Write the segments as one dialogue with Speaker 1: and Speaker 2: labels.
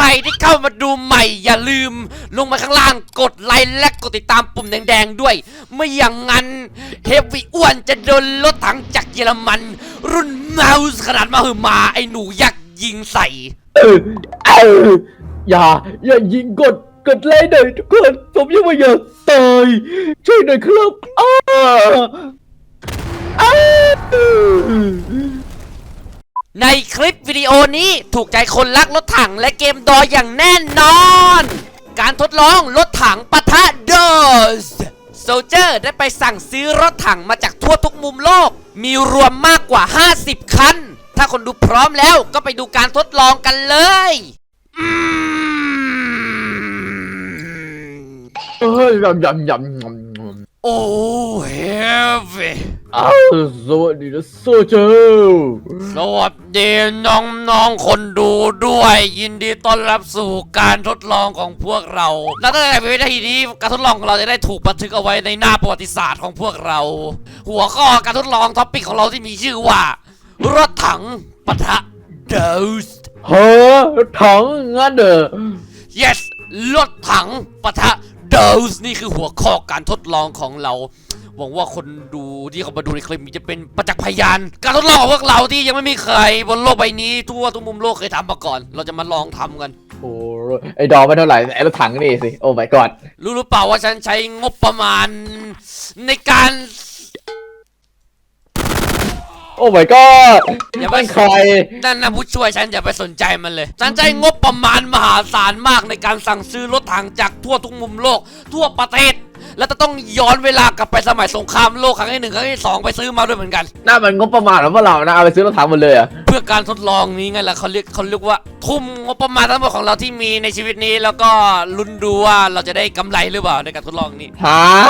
Speaker 1: รที่เข้ามาดูใหม่อย่าลืมลงมาข้างล่างกดไลค์และกดติดตามปุ่มแดงๆด้วยไม่อย่างนั้นเฮฟวี่อ้วนจะโดนรถถังจากเยอรมันรุ่นเมาส์ขนาดมหึมาไอ้หนูยักษ์ยิงใส่
Speaker 2: อย่ายิงกดไลค์หน่อยทุกคนผมยังไม่อยากตายช่วยหน่อยครับ
Speaker 1: ในคลิปวิดีโอนี้ถูกใจคนรักรถถังและเกมดออย่างแน่นอน การทดลองรถถังปะทะดอสโซลเจอร์ได้ไปสั่งซื้อรถถังมาจากทั่วทุกมุมโลกมีรวมมากกว่า50คันถ้าคนดูพร้อมแล้วก็ไปดูการทดลองกันเลยโอ้เฮฟวี่
Speaker 2: สวัสดีนะโซเจอร์
Speaker 1: สวัสดีน้องๆคนดูด้วยยินดีต้อนรับสู่การทดลองของพวกเราและตั้งแต่วิธีนี้การทดลองของเราจะได้ถูกบันทึกเอาไว้ในหน้าประวัติศาสตร์ของพวกเราหัวข้อการทดลองท็อปปิกของเราที่มีชื่อว่ารถถังปะทะดอส
Speaker 2: รถถังงั้นเหรอ
Speaker 1: yes รถถังปะทะดอสนี่คือหัวข้อการทดลองของเราหวังว่าคนดูที่เขามาดูในคลิปนี้จะเป็นประจักษ์พยานการทดลองของพวกเราที่ยังไม่มีใครบนโลกใบนี้ทั่วทุกมุมโลกเคยทำมาก่อนเราจะมาลองทำกัน
Speaker 2: โอ้ไอ้ดอไม่เท่าไหร่ไอ้รถถังนี่สิโอ้ my god
Speaker 1: รู้หรือเปล่าว่าฉันใช้งบประมาณในการ
Speaker 2: โอ้ my god
Speaker 1: อย่าไป
Speaker 2: ใคร
Speaker 1: นั่นนะผู้ช่วยฉันอย่าไปสนใจมันเลยฉันใช้งบประมาณมหาศาลมากในการสั่งซื้อรถถังจากทั่วทุกมุมโลกทั่วประเทศแล้วจะต้องย้อนเวลากลับไปสมัยสงครามโลกครั้งที่1ครั้งที่2ไปซื้อมาด้วยเหมือนกัน
Speaker 2: น่ามันงบประมาณของพวกเรานะเอาไปซื้อรถถังหมดเลยอะ
Speaker 1: เพื่อการทดลองนี้ไงล่ะเขาเรียกว่าทุ่มงบประมาณทั้งหมดของเราที่มีในชีวิตนี้แล้วก็ลุ้นดูว่าเราจะได้กำไรหรือเปล่าในการทดลองนี้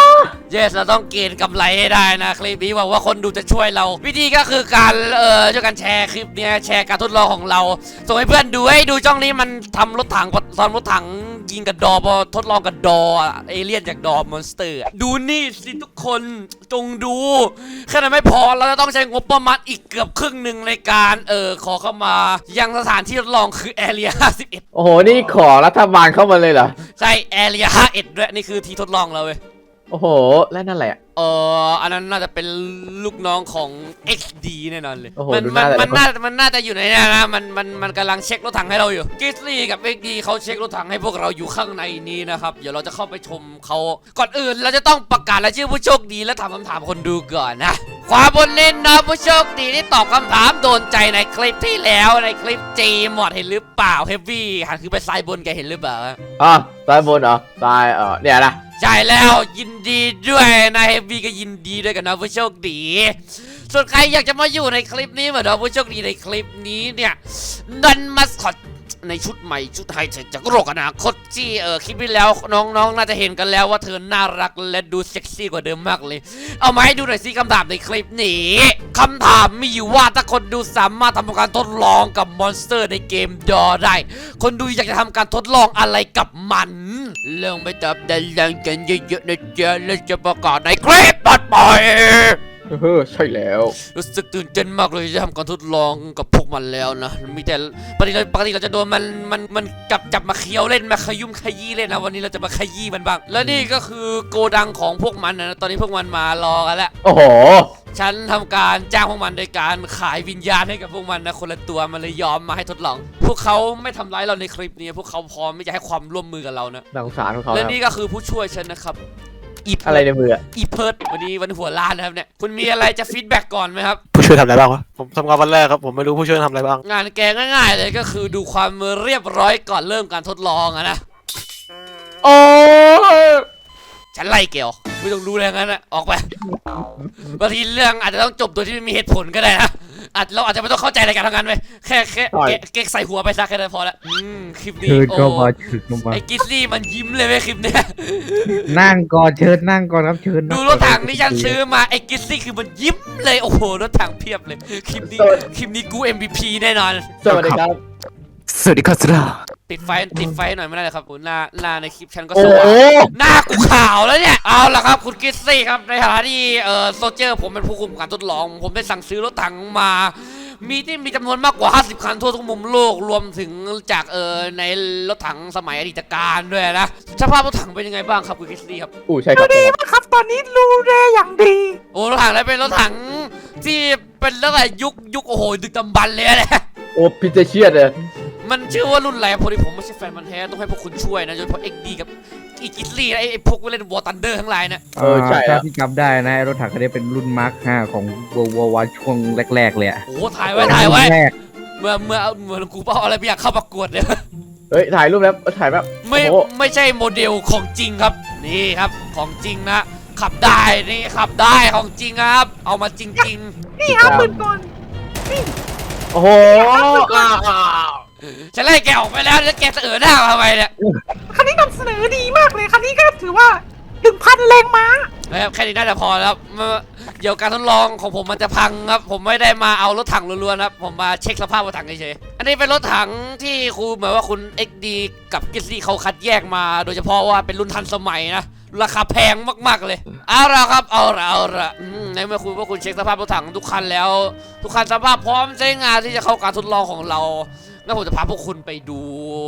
Speaker 1: yes เราต้องเกณฑ์กำไรให้ได้นะคลิปนี้หวังว่าคนดูจะช่วยเราวิธีก็คือการช่วยกันแชร์คลิปเนี้ยแชร์การทดลองของเราส่งให้เพื่อนดูให้ดูช่องนี้มันทำรถถังยิงกับดอพอทดลองกับดอเอเลี่ยนจากดอมอนสเตอร์ดูนี่สิทุกคนจงดูแค่นั้นไม่พอเราจะต้องใช้งบประมาณอีกเกือบครึ่งหนึ่งในการขอเข้ามายังสถานที่ทดลองคือแอเรีย51
Speaker 2: โอ้โหนี่ขอรัฐบาลเข้ามาเลยเหรอ
Speaker 1: ใช่แอเรีย51ด้วยนี่คือที่ทดลองเราเว้ย
Speaker 2: โอ้โหและนั่นแหละ
Speaker 1: อันนั้นน่าจะเป็นลูกน้องของ XD แน่นอนเลย
Speaker 2: มัน
Speaker 1: น่าจะอยู่ในนี้นะมันกำลังเช็ครถถังให้เราอยู่กิสลี่กับ XD เขาเช็ครถถังให้พวกเราอยู่ข้างในนี้นะครับเดี๋ยวเราจะเข้าไปชมเขาก่อนอื่นเราจะต้องประกาศรายชื่อผู้โชคดีและถามคำถามคนดูก่อนนะความบนเน้นนะผู้โชคดีที่ตอบคำถามโดนใจในคลิปที่แล้วในคลิป G หมดเห็นหรือเปล่า Heavy หันคือไปซ้ายบนแกเห็นหรือเปล่า
Speaker 2: ซ้ายบนเหรอซ้ายเนี่ยนะ
Speaker 1: ใช่แล้วยินดีด้วยนะเฮฟวี่ก็ยินดีด้วยกันนะผู้โชคดีส่วนใครอยากจะมาอยู่ในคลิปนี้เหมือนเราผู้โชคดีในคลิปนี้เนี่ยดันมาสคอตในชุดใหม่ชุดไฮเทคจากโลกอนาคตที่คลิปที่แล้วน้องน่าจะเห็นกันแล้วว่าเธอน่ารักและดูเซ็กซี่กว่าเดิมมากเลยเอามาให้ดูหน่อยสิคำถามในคลิปนี้คำถามมีอยู่ว่าถ้าคนดูสามารถทำการทดลองกับมอนสเตอร์ในเกมดอได้คนดูอยากจะทำการทดลองอะไรกับมันเรื่องไปตอบด้านล่างกันเยอะๆนะจ๊ะแล้วจะประกาศในคลิปต่อไป
Speaker 2: ใช่แล้ว
Speaker 1: รู้สึกตื่นเต้นมากเลยจะทำการทดลองกับพวกมันแล้วนะมีแต่ปกติเราจะโดนมันจับมาเคี้ยวเล่นมาขยุ่มขยี้เล่นนะวันนี้เราจะมาขยี้มันบ้างและนี่ก็คือโกดังของพวกมันนะตอนนี้พวกมันมารอกันแล้ว
Speaker 2: โอ้โห
Speaker 1: ฉันทำการจ้างพวกมันโดยการขายวิญญาณให้กับพวกมันนะคนละตัวมันเลยยอมมาให้ทดลองพวกเขาไม่ทำร้ายเราในคลิปนี้พวกเขาพร้อมที่จะให้ความร่วมมือกับเรานะ
Speaker 2: สงสารของเขา
Speaker 1: และนี่ก็คือผู้ช่วยฉันนะครับ
Speaker 2: อะไรในมือ
Speaker 1: อีเพิร์ดวันหัวล้านนะครับเนี่ยคุณมีอะไรจะฟีดแบ็กก่อนไหมครับ
Speaker 3: ผู้ช่วยทำอะไรบ้างวะผมทำงานวันแรกครับผมไม่รู้ผู้ช่วยทำอะไรบ้าง
Speaker 1: งานแกง่ายๆเลยก็คือดูความเรียบร้อยก่อนเริ่มการทดลองอะนะ
Speaker 2: โอ้
Speaker 1: ฉันไล่เกี่ยวไม่ต้องรู้อะไรงั้นนะออกไปบางทีเรื่องอาจจะต้องจบโดยที่ไม่มีเหตุผลก็ได้นะเราอาจจะไม่ต้องเข้าใจในการทำงานไปแค่เก๊กใส่หัวไปซะแค่นั้นพอละคลิปนี้โอ้ไอ้กิสลี่มันยิ้มเลยเว้ยคลิปเนี้ย
Speaker 4: นั่งก่อนเชิญนั่งก่อนครับเชิญ
Speaker 1: ดูรถถังที่ฉันซื้อมาไอ้กิสลี่คือมันยิ้มเลยโอ้โหรถถังเพียบเลยคลิปนี้กู MVP แน่นอน
Speaker 2: สวัสดีครับ
Speaker 3: สวัสดีครับสุดา
Speaker 1: ติดไฟหน่อยไม่ได้เลยครับหน้าในคลิปฉันก็สว่างหน้ากูขาวแล้วเนี่ยเอาล่ะครับคุณกิสซี่ครับในฐานะที่โซเจอร์ผมเป็นผู้คุมการทดลองผมได้สั่งซื้อรถถังมามีที่มีจำนวนมากกว่า 50 คันทั่วทุกมุมโลกรวมถึงจากในรถถังสมัยอดีตการด้วยนะสภาพรถถังเป็นยังไงบ้างครับคุณคริสตี้ครับ
Speaker 2: ใช่ครับ
Speaker 5: ดีมากครับตอนนี้รูแรอย่างดี
Speaker 1: โอ้รถถังนั้นเป็นรถถังที่เป็นตั้งแต่ยุคโอ้โหดึกดำบรรพ์เลยนะ
Speaker 2: โอ้พิเจเชียดเลย
Speaker 1: มันชื่อว่ารุ่นอะไรพอดีผมไม่ใช่แฟนมันธุ์แท้ต้องให้พวกคุณช่วยนะโดยเฉพาะ XD กับอีกิสลี่ไอ้พวกเล่นวอร์ตันเดอร์ทั้งหลายนะ
Speaker 2: ใช่
Speaker 4: ถ้าที่จำได้นะไอ้รถถังคันนี้เป็นรุ่นมาร์ค 5 ของ World War I ช่วงแรกๆเลยอะ
Speaker 1: โอ้ถ่ายไว้
Speaker 4: แรก
Speaker 1: เมื่อกูเป้าอะไรไม่อยากเข้าประกวดเลย
Speaker 2: เฮ้ยถ่ายรูปแล้วถ่ายแบบ
Speaker 1: ไม่ใช่โมเดลของจริงครับนี่ครับของจริงนะขับได้นี่ขับได้ของจริงครับ เอามาจริง
Speaker 5: นี่ครับปืนกล
Speaker 2: โอ้โห
Speaker 1: ๆฉันไล่แกออกไปแล้วแล้วแกจะหน้ามาทำไมเนี่ย
Speaker 5: คันนี้นำเสนอดีมากเลยคันนี้ก็ถือว่า 1,000 แรงม้า
Speaker 1: นะครับแค่นี้น่าจะพอแล้วครับเดี๋ยวการทดลองของผมมันจะพังครับผมไม่ได้มาเอารถถังล้วนๆครับผมมาเช็คสภาพรถถังเฉยๆอันนี้เป็นรถถังที่ครูเหมือนว่าคุณ XD กับกิสซี่เขาคัดแยกมาโดยเฉพาะว่าเป็นรุ่นทันสมัยนะราคาแพงมากๆเลยเอาละครับเอาละในเมื่อคุณเช็คสภาพรถถังทุกคันแล้ว ทุกคันสภาพพร้อมใช้งานที่จะเข้าการทดลองของเรางั้นผมจะพาพวกคุณไปดู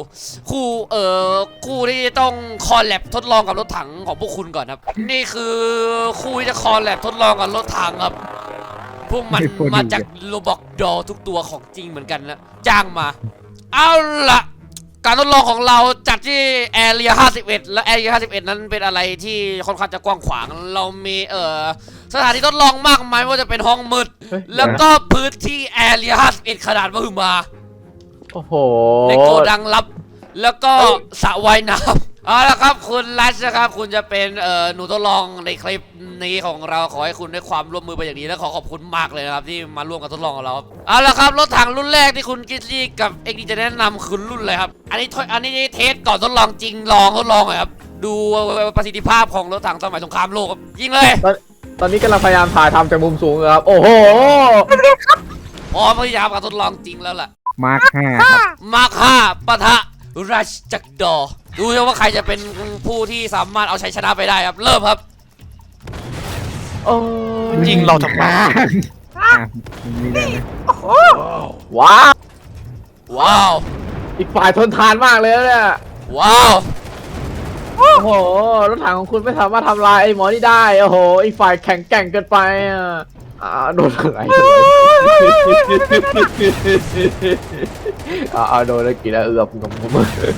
Speaker 1: คู่ที่ต้องคอลแลบทดลองกับรถถังของพวกคุณก่อนครับนี่คือคู่ที่จะคอลแลบทดลองกับรถถังครับพวกมันมาจากโรบอกดอทุกตัวของจริงเหมือนกันนะจ้างมาเอาละการทดลองของเราจัดที่แอเรีย51และแอเรีย51นั้นเป็นอะไรที่ค่อนข้างจะกว้างขวางเรามีสถานที่ทดลองมากมายไม่ว่าจะเป็นห้องมืดแล้วก็พื้นที่แอเรีย51ขนาดมหึมา
Speaker 2: โอ้โห
Speaker 1: ในโกดังลับแล้วก็สระว่ายน้ำเอาละครับคุณรัชนะครับคุณจะเป็นหนูทดลองในคลิปนี้ของเราขอให้คุณได้ความร่วมมือไปอย่างนี้และขอบคุณมากเลยนะครับที่มาร่วมกับทดลองกับเราเอาละครับรถถังรุ่นแรกที่คุณกิสลี่กับเอ็กดีจะแนะนำคือรุ่นอะไรครับอันนี้เทสก่อนทดลองจริงทดลองหน่อยครับดูประสิทธิภาพของรถถังสมัยสงครามโลกครับยิงเลย
Speaker 2: ตอนนี้กำลังพยายามถ่ายทำจากมุมสูงครับโอ้โห
Speaker 1: พร้อมที่จะการทดลองจริงแล้วล่ะ
Speaker 4: มาร์ค 5 ครับ
Speaker 1: มาร์ค5ปะทะรัชจักรดอดูว่าใครจะเป็นผู้ที่สามารถเอาชัยชนะไปได้ครับเริ่มครับ
Speaker 2: โอ้
Speaker 3: ยิงเราทำไม
Speaker 4: มีได้ไหม
Speaker 5: โอ้โห
Speaker 2: ว้าว
Speaker 1: ว้าว
Speaker 2: อีกฝ่ายทนทานมากเลยนะเนี่ย
Speaker 1: ว้าว
Speaker 2: โอ้โหรถถังของคุณไม่สามารถทำลายไอ้หมอนี่ได้โอ้โหอีกฝ่ายแข็งแกร่งเกินไปโดนอะไรโดนแล้วกี่แล้วงม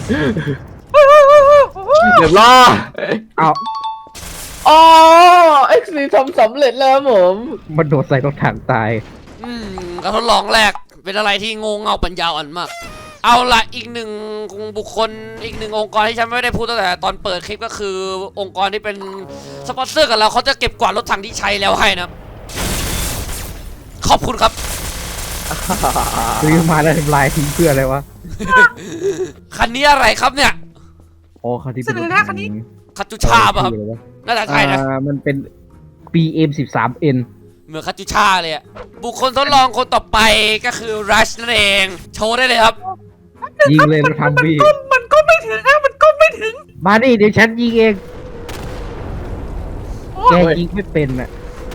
Speaker 2: เดี๋ยวล่อ
Speaker 4: เอา
Speaker 2: อ๋อเอ็กซ์ซีทำสำเร็จแล้วผม
Speaker 4: มันโดดใส่รถถังตาย
Speaker 1: การทดลองแรกเป็นอะไรที่งงเงาปัญญาอ่อนมากเอาละอีกหนึ่งบุคคลอีกหนึ่งองค์กรที่ฉันไม่ได้พูดตั้งแต่ตอนเปิดคลิปก็คือองค์กรที่เป็นสปอนเซอร์กับเราเขาจะเก็บกวาดรถถังที่ใช้แล้วให้นะขอบคุณครับ
Speaker 4: ซื้อมาแล้วทำลายทิ้งเพื่ออะไรวะ
Speaker 1: คันนี้อะไรครับเนี่ย
Speaker 4: โอ้คันที่เป็น
Speaker 5: เสนอหน้าคันนี้
Speaker 1: คาจูชาป่ะครับน่าจะใช่นะ
Speaker 4: มันเป็น BM 13N
Speaker 1: เหมือนคาจูชาเลยอะบุคคลทดลองคนต่อไปก็คือรัชนั่นเองโชว์ได้เลยครับ
Speaker 4: ยิงเลยรถถังพี่
Speaker 5: มันก็ไม่ถึงนะมันก็ไม่ถึง
Speaker 4: มาดิเดี๋ยวฉันยิงเอง
Speaker 5: โอ้
Speaker 4: แกยิงไม่เป็นอ่ะ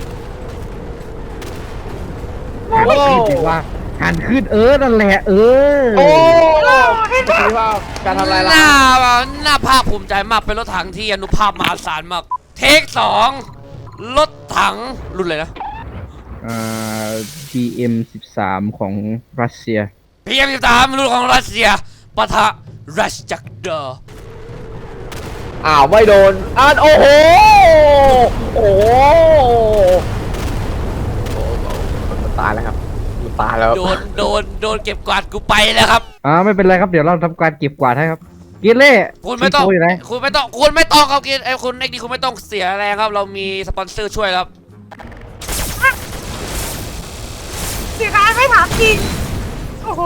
Speaker 4: หันขึ้นสิว่าหันขึ้นนั่นแหละ
Speaker 2: โ
Speaker 4: เอ
Speaker 2: อ้
Speaker 5: เห็นไหม
Speaker 2: คิดว่าการทำลายล้าง
Speaker 1: หน้าภาคภูมิใจมากเป็นรถถังที่อนุภาพมหาศาลมากเทค2รถถังรุ่นอะไรนะ
Speaker 4: BM 13ของรัสเซีย
Speaker 1: PM13รุ่นของรัสเซียปะทะรัชจักรดอ
Speaker 2: ไม่โดนโอ้โหโอ้โหมันตายแล้วครับมันตายแล้ว
Speaker 1: โดนเก็บกวาดกูไปแล้วครับ
Speaker 4: ไม่เป็นไรครับเดี๋ยวเราทำการเก็บกวาดให้ครับกินเล่
Speaker 1: คุณไม่ต้อง
Speaker 4: โยู่ไหน
Speaker 1: คุณไม่ต้องครับกินคุณเอ็กดีคุณไม่ต้องเสียแรงครับเรามีสปอนเซอร์ช่วยครับ
Speaker 5: เสียดายไม่ถามจริงโอ้โห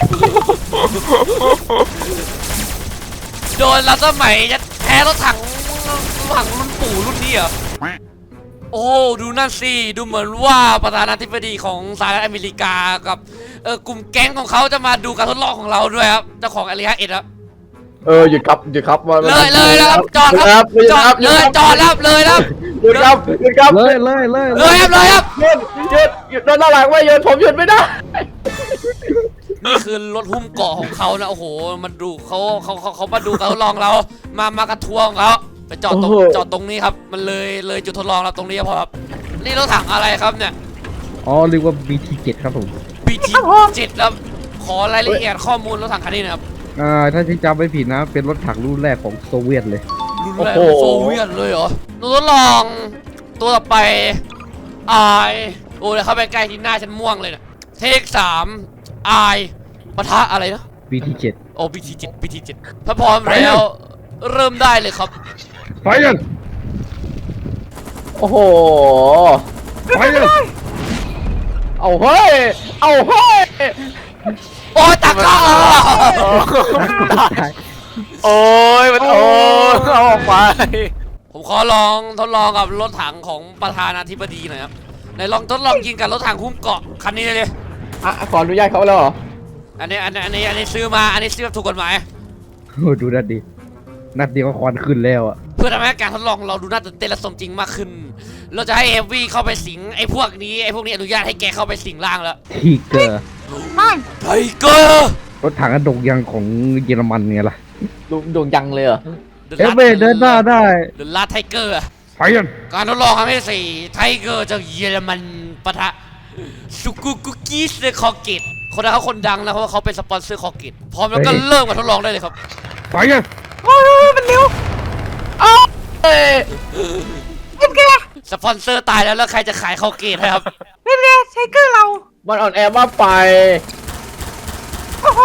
Speaker 1: โดนแล้วสมัยจะแพ้รถถังรุ่นปู่รุ่นนี้เหรอโอ้ดูนั่นสิดูเหมือนว่าประธานาธิบดีของสหรัฐอเมริกากับกลุ่มแก๊งของเขาจะมาดูการทดลองของเราด้วยครับเจ้าของอารีฮะเอ็ดครับ
Speaker 2: หยุดครับ
Speaker 1: เลยแล้วครับจอดครับจอดเลยจอดแล้วเลยครับ
Speaker 2: หยุดครับ
Speaker 1: เลยครับ
Speaker 2: หยุดโดนหน้าหลังไว้หยุดผมหยุดไม่ได้
Speaker 1: นี่คือรถหุ้มเกาะของเขานะโอ้โหมันดูเขามาดูการทดลองเรามากระทัวร์ของเขาไปจอดตรงนี้ครับมันเลยจุดทดลองเราตรงนี้พอครับนี่รถถังอะไรครับเนี่ย
Speaker 4: อ๋อเรียกว่า BT7 ครับผม
Speaker 1: BT7 ครับขอรายละเอียดข้อมูลรถถังคันนี้หนะครับ
Speaker 4: ถ้าที่จำไม่ผิดนะ เป็นรถถังรุ่นแรกของโซเวียตเลย
Speaker 1: รุ่นแรกโซเวียตเลยเหรอหนูทดลองตัวต่อไปไอโอ้ยเข้าไปใกล้ที่หน้าฉันม่วงเลยเนี่ยเทค3ไอปะทะอะไรนะ
Speaker 4: BT7
Speaker 1: โอ้ BT7 ถ้าพร้อมแล้วเริ่มได้เลยครับ
Speaker 4: ไฟยัง
Speaker 2: โอ้โห
Speaker 4: ไฟยัง
Speaker 2: เอาเฮ้ย เอาเฮ้ย
Speaker 1: โอ้ยตักข้า
Speaker 3: โอ้ยมันโอ้ยเอาออกไป
Speaker 1: ผมขอลองทดลองกับรถถังของประธานาธิบดีหน่อยครับไหนลองทดลองยิงกับรถถังหุ้มเกาะคันนี้เลย
Speaker 2: ขออนุญาตเขาแล้วเหรอ
Speaker 1: อันนี้ซื้อมาอันนี้ซื้อแบบถูกกฎหมาย
Speaker 4: โอ้ดูนัดดินัดเดียวก็ควันขึ้นแล้วอ่ะ
Speaker 1: เพื่อทำให้การทดลองเราดูน่าตื่นเต้นและสมจริงมากขึ้น เราจะให้เอฟวีเข้าไปสิงไอ้พวกนี้อนุญาตให้แกเข้าไปสิงร่างแล้ว
Speaker 4: ทีเกอร์
Speaker 5: ไม่
Speaker 1: ไทเกอร์
Speaker 4: รถถังกระดกยังของเยอรมันไงล่ะ
Speaker 2: ดวงยังเลยเหรอ
Speaker 4: เอฟเวเดินหน้าได้
Speaker 1: เดอะลาไทเกอร์
Speaker 4: ไฟยัง
Speaker 1: การทดลองครั้งที่4ไทเกอร์จากเยอรมันปะทะสุกุกุกิสคอเกตคนนั้นเขาคนดังนะเพราะว่าเขาเป็นสปอนเซอร์คอเกตพร้อมแล้วก็เริ่มการทดลองได้เลยครับ
Speaker 4: ไฟยัง
Speaker 5: โอ้ยมันเร็ว
Speaker 2: เอ้ย
Speaker 5: เป็นไง
Speaker 1: สปอนเซอร์ตายแล้วใครจะขายคอเกตให้ครับ
Speaker 5: เป็นไงไทเกอร์เรา
Speaker 2: มันอ่อนแอมากไป
Speaker 5: โอ้โห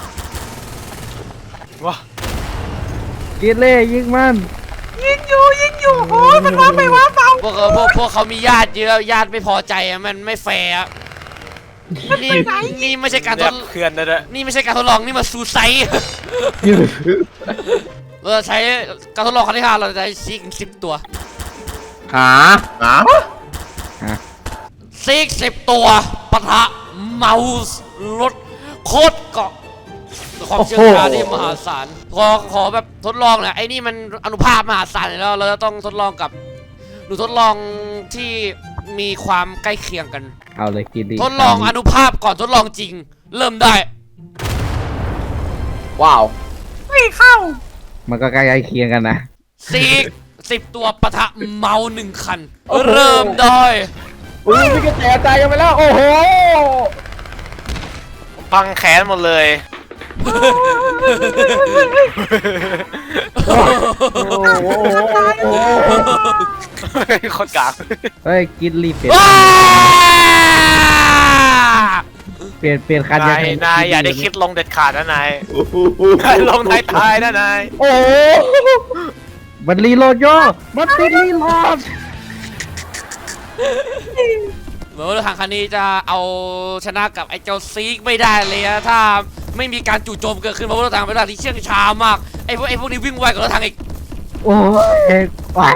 Speaker 3: ว้า
Speaker 4: เกเล่ยิงมัน
Speaker 5: ยิงอยู่โอ้ยมันว้าไปว้าเปล่า
Speaker 1: พวกเขามีญาติเยอะญาติไม่พอใจอะมันไม่แฟร์อะนี่ไม่ใช่การท
Speaker 3: แย
Speaker 1: ด
Speaker 3: กเพื่อนนะด้วย
Speaker 1: นี่ไม่ใช่การทดลองนี่มันซูไซด์เราจะใช้การทดลองครั้งที่5เราจะใช้ซิก10 ตัว
Speaker 2: หา
Speaker 1: ซิก10 ตัวปะทะเมาส์รถโคตรเกาะความเชี่ยวชาญที่มหาศาลขอแบบทดลองหน่อยไอ้นี่มันอนุภาพมหาศาลแล้วเราจะต้องทดลองกับหนูทดลองที่มีความใกล้เคียงกัน
Speaker 4: เอาเลยกินดิ
Speaker 1: ทดลองอนุภาพก่อนทดลองจริง เริ่มได้
Speaker 2: ว้าว
Speaker 5: ไม่เข้า
Speaker 4: มันก็ใกล้ๆเคียงกันนะ
Speaker 1: ซีก10 ตัวปะทะเมา1 คัน เริ่มได้
Speaker 2: อุ้ยพี่กระแตใจกันไปแล้ว โอ้โห
Speaker 3: พังแขนหมดเลย
Speaker 2: โอ้โห
Speaker 3: คนกลาง
Speaker 4: เฮ้ยกินรีบเปลี่ยน
Speaker 1: ว้า
Speaker 4: เปลี่ยนคัน
Speaker 3: นายอย่าได้คิดลงเด็ดขาดนะนายลงท้ายๆนะนาย
Speaker 2: โอ้โห
Speaker 4: มันรีโหลดโย่มันติดรีโหลด
Speaker 1: เหมือนว่าทางคันนี้จะเอาชนะกับไอ้เจ้าซีกไม่ได้เลยนะถ้าไม่มีการจู่โจมเกิดขึ้นเพราะว่ารถถังเป็นรถที่เชื่องช้ามากไอ้พวกนี้วิ่งไวกว่ารถถังอีก
Speaker 4: โอ้ยว้า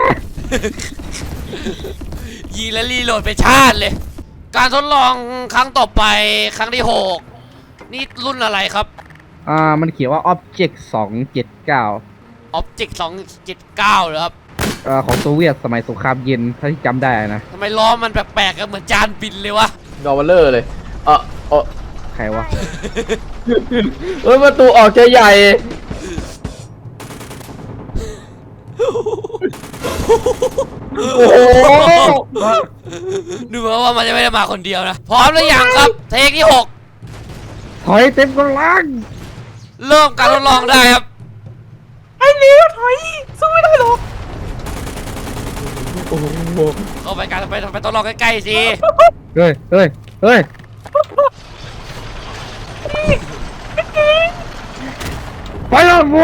Speaker 1: ยิงและรีโหลดไปชาติเลย การทดลองครั้งต่อไปครั้งที่6นี่รุ่นอะไรครับ
Speaker 4: มันเขียนว่า Object 279
Speaker 1: Object 279เหรอครับ
Speaker 4: ของโซเวียตสมัยสงครามเย็นถ้าที่จำได้นะ
Speaker 1: ทำไมล้อมันแปลกๆกันเหมือนจานบินเลยวะ
Speaker 2: ดอวลเลอร์เลย
Speaker 4: ใครวะ
Speaker 2: ประตูออกจะใหญ่ โอ้โห
Speaker 1: ดูเหมือนว่ามันจะไม่ได้มาคนเดียวนะ พร้อมหรือยังครับ เทคที่
Speaker 4: ถอยเต็มกำลัง
Speaker 1: 6 เริ่มการทดลองได้ครับ
Speaker 5: ไอ้เลี้ยวถอยสู้ไม่ได้หรอก
Speaker 1: เข้าไปการไปทดลองใกล้ๆสิ
Speaker 4: เฮ้ยไปแล้วบัว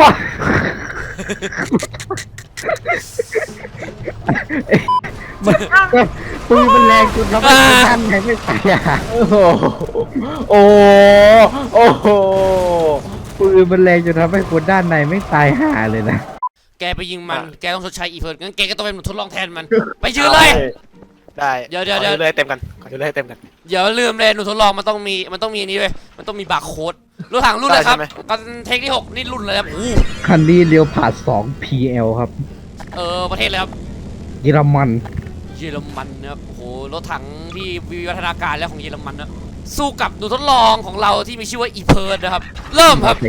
Speaker 4: ปืนมันแรงจนเราไม่ทันไม่ตายอ่ะ
Speaker 2: โอ้โห โอ้โห
Speaker 4: ปืนมันแรงจนทำให้คนด้านในไม่ตายห่าเลยนะ
Speaker 1: แกไปยิงมัน แกต้องชดใช้อีเฟิร์นงั้นแกก็ต้องเป็นหนูทดลองแทนมัน ไปยืนเลย
Speaker 3: ได้
Speaker 1: เดี๋ยว
Speaker 3: ขอเลยเต็มกันขอเลยเต็มกัน
Speaker 1: อย่าลืมเลยหนูทดลองมันต้องมีอันนี้เว้ยมันต้องมีบาร์โค้ดรถถังรุ่นอะไรครับ
Speaker 3: ได้ใช่ไหม
Speaker 1: กันเทคที่ 6 นี่รุ่นอะไรครับอู้
Speaker 4: คันนี้เลี้ยวผ่าน2 PL ครับ
Speaker 1: ประเทศอะไรครับ
Speaker 4: เยอรมัน
Speaker 1: เยอรมันนะครับโอ้โหรถถังที่วิวัฒนาการแล้วของเยอรมันนะสู้กับหนูทดลองของเราที่มีชื่อว่าอีเพิร์ดนะครับ เริ่มครับ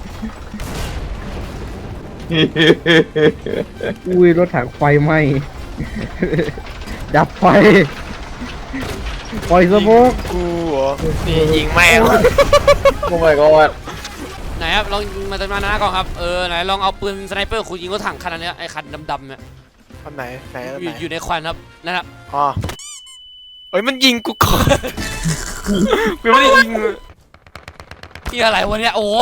Speaker 4: อุ้ยรถถังไฟไหม้ ดับไฟปล่อยสโมก
Speaker 3: กูเหรอนี่ยิงแม่ง
Speaker 2: โอ้ my god
Speaker 1: ไหนครับลองยิงมาจากหน้าก่อนครับไหนลองเอาปืนสไนเปอร์คุณยิงรถถังคันนั้นเนี่ยไอ้คันดำๆเนี่ย
Speaker 3: อันไหนไหนอัน
Speaker 1: อ
Speaker 3: ไหน
Speaker 1: ยู่ในควันครับนั่นครับ
Speaker 3: อ๋อเอ้ยมันยิงกูก่อนกูไม่ได้ยิง
Speaker 1: ที่อะไรวะเนี่ยโอ้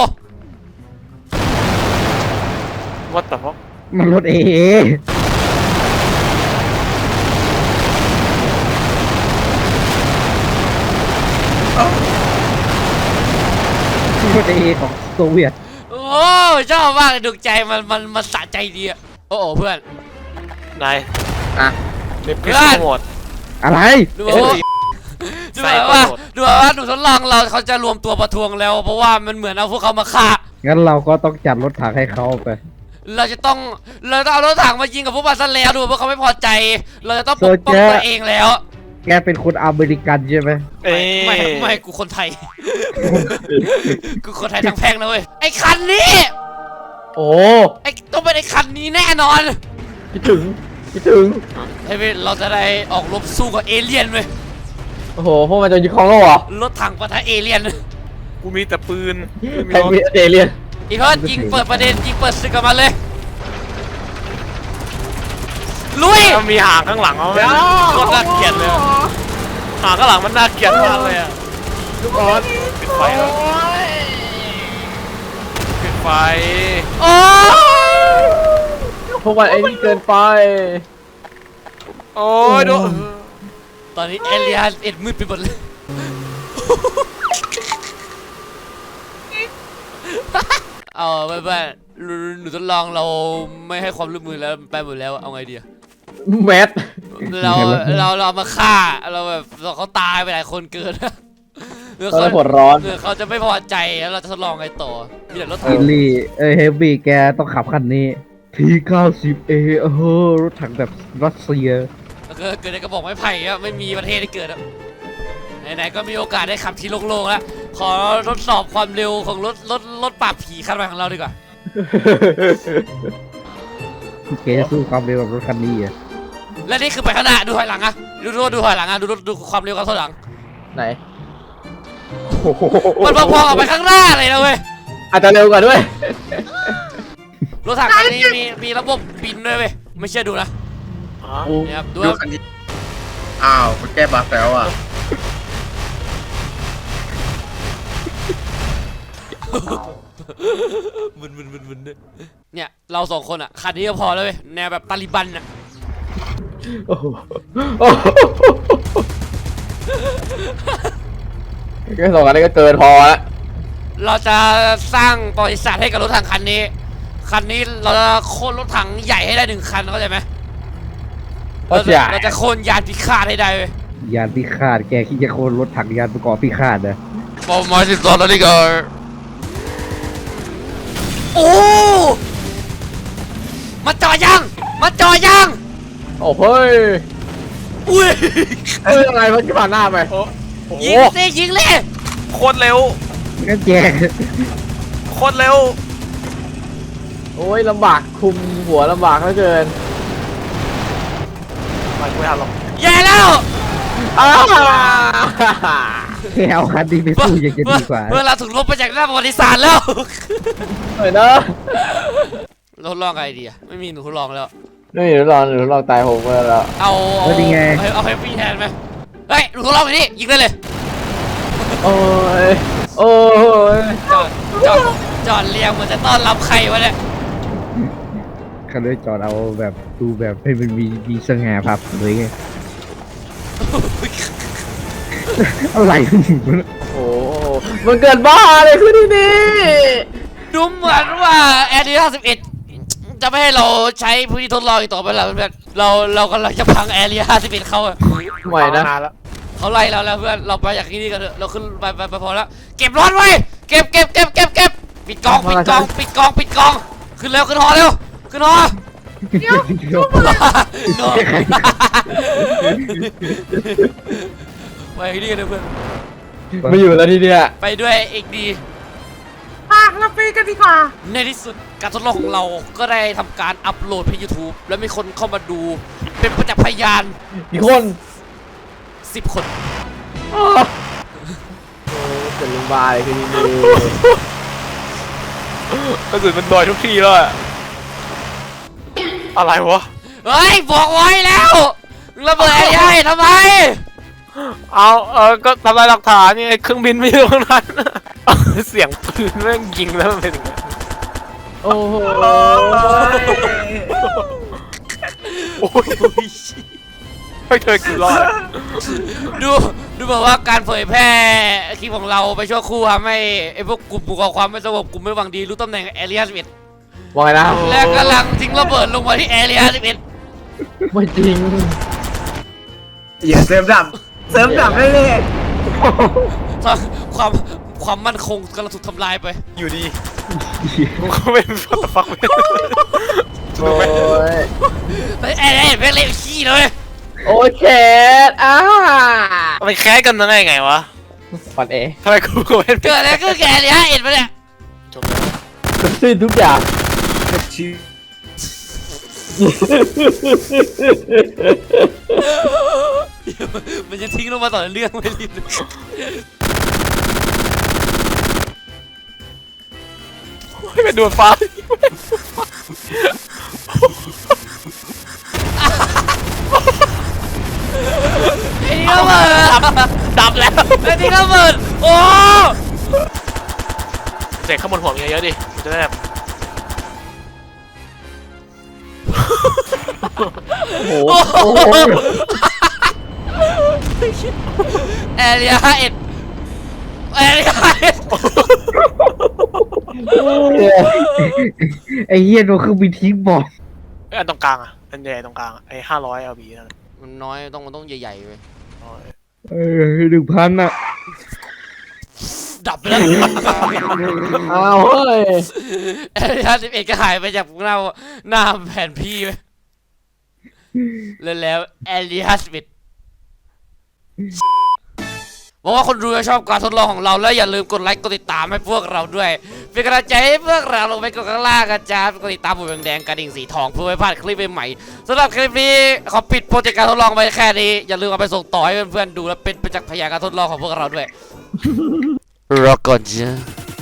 Speaker 3: วัดแต่ว่า
Speaker 4: มันรถเอรถเอของโซเวียต
Speaker 1: โอ้ชอบมากเลยดูใจมันสะใจดีอะโอ้โหเพื่อน
Speaker 3: ไหน
Speaker 2: อ่ะ
Speaker 3: เด็กพิษโหมด
Speaker 4: อะไร
Speaker 1: ดูแบบว่าดูแบบว่าหนูทดลองเราเขาจะรวมตัวประท้วงแล้ว เพราะว่ามันเหมือนเอาพวกเขามาฆ่า
Speaker 4: งั้นเราก็ต้องจัดรถถังให้เขาไป
Speaker 1: เราต้องเอารถถังมายิงกับพวกมันซะแล้วดูเพราะเขาไม่พอใจ เราจะต้องปกป้องตัวเองแล้ว
Speaker 4: แกเป็นคนอเมริกันใช่ไหม
Speaker 3: เอ้ย
Speaker 1: ไม่กูคนไทย กูคนไทยทั้งแพงนะเว้ยไอ้คันนี้
Speaker 2: โอ้
Speaker 1: ไอ้ต้องเป็นไอ้คันนี้แน่นอน
Speaker 2: คิดถึง
Speaker 1: เฮ้ยเราจะได้ออกรบสู้กับเอเลี่ยนเว้ย
Speaker 2: โอ้โหพวกมันจะยึดครองโลกเหรอ
Speaker 1: รถถังปะทะเอเลี่ยน
Speaker 3: กูมีแต่ปืน
Speaker 2: ใครมีเอเลี่ยน
Speaker 1: อีเพิร์ดยิงเปิดประเด็นยิงเปิดศึกกับมันเลยลุย
Speaker 3: มันมีหางข้างหลังเอาไหมโคตรน่าเกลียดเลยหางข้างหลังมันน่าเกลียดมากเลยอะ
Speaker 2: ลูกออส
Speaker 3: ปิดไฟแล้วปิดไฟ
Speaker 1: โอ้ย
Speaker 2: พวกมันไอ้นี่เกินไป
Speaker 3: โอ้ยดู
Speaker 1: ตอนนี้เอเลี่ยนเอ็ดมืดไปหมดเลย เอาไปหนูทดลองเราไม่ให้ความร่วมมือแล้วไปหมดแล้วเอาไงดีอะ
Speaker 2: แมท
Speaker 1: เรามาฆ่าเราแบบเขาตายไปหลายคนเกินเมื่อ
Speaker 2: ตอน
Speaker 1: เขา
Speaker 2: นี้ปวดร้อน
Speaker 1: เขาจะไม่พอใจแล้วเราจะทดลองไงต่อมีแต่รถถั
Speaker 4: อิ
Speaker 1: ง
Speaker 4: ลลี่เฮฟวี่แกต้องขับคันนี้ T90A รถถังแบบรัสเซีย
Speaker 1: แล้วก็เกิดในกระบอกไม้ไผ่อะไม่มีประเทศที่เกิดอะไหนๆก็มีโอกาสได้ขับที่โล่งๆแล้วขอทดสอบความเร็วของรถปราบผีคันใหม่ของเราดีกว่า
Speaker 4: แกจะสู้ความเร็วกับรถคันนี้อ่ะ
Speaker 1: และนี่คือไปข้างหน้าดูถอยหลังอะดูถอยหลังอะดูความเร็วกับถอยหลัง
Speaker 2: ไหน
Speaker 1: มันพอๆกับไปข้างหน้าเลยนะเว้ย
Speaker 2: อาจจะเร็วกว่าด้วย
Speaker 1: รถถังคันนี้มีระบบบินด้วยเว้ยไม่เชื่อดูนะ
Speaker 3: อ๋อ
Speaker 1: เนี่ยครับดู
Speaker 6: ดูคันนี้อ้าวมันแก้บั๊กแล้วอ่ะ
Speaker 1: มึนด้วยเนี่ยเราสองคนอะคันนี้ก็พอแล้วเว้ยแนวแบบตาลิบันอะ
Speaker 2: โอ้โหแค่สองอันนี้ก็เกินพอแล้ว
Speaker 1: เราจะสร้างประวัติศาสตร์ให้กับรถถังคันนี้เราจะโค่นรถถังใหญ่ให้ได้1 คันเข้าใจไหม
Speaker 2: ก็ใหญ่
Speaker 1: เราจะโค่นยานพิฆาตให้ได้เว้ย
Speaker 4: ยานพิฆาตแกคิดจะโค่นรถถังยานประกอบพิฆาตนะ
Speaker 1: ปอมมา12แล้วนี่ก็โอ้มาจ่อยัง
Speaker 2: โอ้เฮ้ย
Speaker 1: อุ้ย
Speaker 2: เอ้ยอะไรมันจะผ่านหน้าไป
Speaker 3: โอ้โห
Speaker 1: ยิงเลย
Speaker 3: โคตรเร็ว
Speaker 4: งั้นแก
Speaker 3: โคตรเร็ว
Speaker 2: โอ้ยลำบากคุมหัวลำบากเหลือเกิน
Speaker 3: ไม่กูไม่เอาหรอก
Speaker 1: แย่แล้ว
Speaker 2: อ้าว
Speaker 4: แกเอาคันนี้ไปสู้ยังจะดีกว่า
Speaker 1: เมื่อเราถูกลบไปจากหน้าประวัติศาสตร์แล้ว
Speaker 2: เฮ้ยนะ
Speaker 1: เราทดลองไงดีอะไม่มีหนูทดลองแล้ว
Speaker 2: นี่หนูลองตายผมไปแล้ว
Speaker 1: เอาเฮฟวี่แทนไหมเฮ้ยหนูทดลองไปนี่ยิงได้เลย
Speaker 2: โอ้ย โอ้ย
Speaker 1: จอดเรียงเหมือนจะต้อนรับใครวะเนี่ย
Speaker 4: คันนี้จอดเอาแบบดูแบบให้มันมีสง่าภาพเลยไงอะไรของมึงวะ
Speaker 2: โอ้มันเกินบ้าเลยคือที่นี่
Speaker 1: ดูเหมือนว่าแอร์ดี51จะไม่ให้เราใช้พื้นที่ทดลองอีกต่อไปแล้วเพื่อนเรากำลังจะพังแอร์ดี51เขาอะ
Speaker 2: ใหม่นะ
Speaker 3: นานแล้ว
Speaker 1: เขาไล่เราแล้วเพื่อนเราไปจากที่นี่กันเถอะเราขึ้นไปพอแล้วเก็บรถไว้เก็บปิดกองขึ้นเร็วขึ้นหอเร็วขึ้นหอไปที่นี่กันเถอะเพื่อน
Speaker 2: ไม่อยู่แล้วทีเนี้ย
Speaker 1: ไปด้วยเอกดี
Speaker 5: อ่ะเราไปกันดีกว่า
Speaker 1: ในที่สุดการทดลองของเราก็ได้ทำการอัปโหลดไป YouTube แล้วมีคนเข้ามาดูเป็นประจักษ์พยาน
Speaker 2: กี่คน
Speaker 1: 10 คน
Speaker 2: โอ้เป็นลุงบายคือดี
Speaker 3: กระสุนมันลอยทุกทีแล้วอะอะไรวะ
Speaker 1: เฮ้ย บอกไว้แล้วระเบิดไอ้ยัยทำไม
Speaker 3: ก็ทำลายหลักฐานนี่ไงเครื่องบินไม่อยู่ตรงนั้น เสียงปืนแม่งยิงแล้วมันเป็นอย่างนั้น
Speaker 2: โอ้โห
Speaker 3: โอ้ยไม่เคยกินรอด
Speaker 1: ดูแบบว่าการเผยแพร่คลิปของเราไปชั่วครู่ทำให้ไอ้พวกกลุ่มก่อความไม่สงบกลุ่มไม่หวังดีรู้ตำแหน่งแอเรีย11
Speaker 2: ว่าไงนะ
Speaker 1: และกำลังทิ้งระเบิดลงมาที่แอเรีย11
Speaker 2: ไม่จริง
Speaker 6: อย่าเสริมดับเลย
Speaker 1: ความมั่นคงกำลังถูกทำลายไป
Speaker 3: อยู่ดีกูก็เป็นฟัตฟัก
Speaker 2: โอ้ย
Speaker 1: ไอ้แอเรีย11เล่นขี้เลย
Speaker 2: โอ้ยแคท
Speaker 3: มันแค้นกันได้ไงวะ
Speaker 2: ปันเอ
Speaker 3: ทำไมกูก็เป็น
Speaker 1: เกิดอะไรขึ้นแกแอเรีย11มาเนี่ย
Speaker 3: จบแล้ว
Speaker 2: สิ้นทุกอย่าง
Speaker 1: มันจะทิ้งลงมาต่อเรื่องไม่รีบ
Speaker 3: ให้เป็นดวงฟ้า
Speaker 1: ไอ้นี่ระเบิด
Speaker 3: ดับแล้ว
Speaker 1: ไอ้นี่ระเบิดโอ้
Speaker 3: เสกข้างบนหัวเยอะๆดิมันจะได้แบบ
Speaker 2: โอ้โห
Speaker 1: แอเรีย11แอเรีย11
Speaker 4: ไอ้เหี้ยโดนเครื่องบินทิ้งบอก
Speaker 3: อันตรงกลางอะอันใหญ่ตรงกลางอะไอ้500 LB นั่น
Speaker 1: มันน้อยมันต้องใหญ่ๆไป
Speaker 4: 1,000 อ่ะ
Speaker 1: ดับไปแล้ว
Speaker 2: อ้าวเฮ้ย
Speaker 1: แอเรีย11ก็หายไปจากหน้าแผนที่ไปแล้วแอเรีย11บอกว่าคนดูจะชอบการทดลองของเราแล้วอย่าลืมกดไลค์กดติดตามให้พวกเราด้วยเป็นกำลังใจให้พวกเราลงไปกดข้างล่างกันจ้ากดติดตามปุ่มแดงๆกระดิ่งสีทองเพื่อไม่พลาดคลิปใหม่ๆสำหรับคลิปนี้ขอปิดโปรเจกต์การทดลองไปแค่นี้อย่าลืมเอาไปส่งต่อให้เพื่อนๆดูและเป็นประจักษ์พยานการทดลองของพวกเราด้วยรอก่อนจ้า